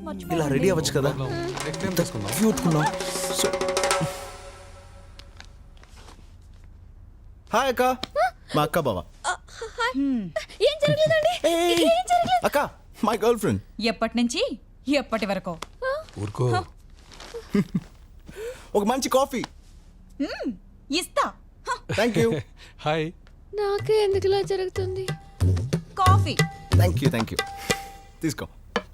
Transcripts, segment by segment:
ఇలా రెడీ అవ్వచ్చు కదా, క్యూట్ ఉన్నావు. హాయ్ అక్క, మా అక్క బావ. ఏం జరగలేదండి. ఏం జరగలేదు. అక్క, మై గర్ల్ ఫ్రెండ్. ఎప్పటి నుంచి ఎప్పటి వరకు? ఊరుకో. ఒక మంచి కాఫీ. ఇస్తా. Thank you. హాయ్. నాకే ఎందుకు ఇలా జరుగుతుంది? Coffee. Thank you, thank you. తీసుకో.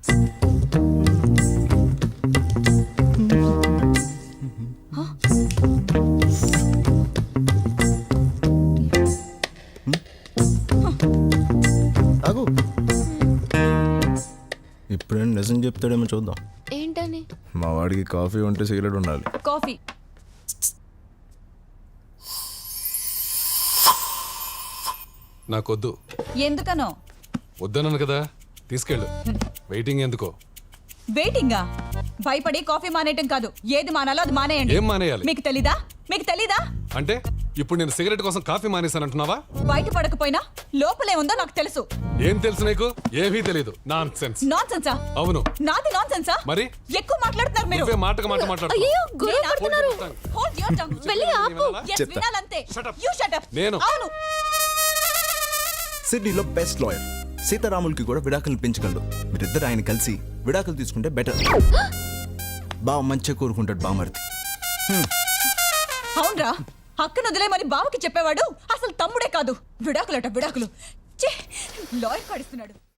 ఆగు. ఇప్పుడేం నిజం చెప్తాడేమో చూద్దాం. ఏంటని? మా వాడికి కాఫీ ఉంటే సిగరెట్ ఉండాలి. కాఫీ. నాకొద్దు. ఎందుకనో? వద్దన్నాను కదా, తీసుకెళ్ళు. వెయిటింగ్ ఎందుకో? వెయిటింగా? భయపడి కాఫీ మానేయటం కాదు, ఏది మానాలో అది మానేయండి. ఏం మానేయాలి? మీకు తెలీదా? మీకు తెలీదా? అంటే ఇప్పుడు నేను సిగరెట్ కోసం కాఫీ మానేశానంటున్నావా? బయట పడకపోయినా లోపలే ఉందో నాకు తెలుసు. ఏం తెలుసు నీకు? ఏమీ తెలీదు. Nonsense. నాన్ సెన్సా? అవును. నాది నాన్ సెన్సా? మరి ఎక్కువ మాట్లాడుతున్నారు మీరు. నువ్వే మాటకు మాట మాట్లాడు. అయ్యో, గొడవ నేను పడుతున్నారు. Hold your tongue. వెళ్ళి ఆపు. Yes, చెప్తా. వినాలంతే. Shut up. You shut up. నేను. అవును. సిడ్నీలో బెస్ట్ లాయర్ సీతారాములకి కూడా విడాకులు పెంచగలడు. మీరిద్దరు ఆయన కలిసి విడాకులు తీసుకుంటే బెటర్. బావ మంచిగా కోరుకుంటాడు బామర్ది. అవునరా, అక్కను వదిలేమని బావకి చెప్పేవాడు అసలు తమ్ముడే కాదు. విడాకులట విడాకులు. లాయర్ కాడిస్తున్నాడు.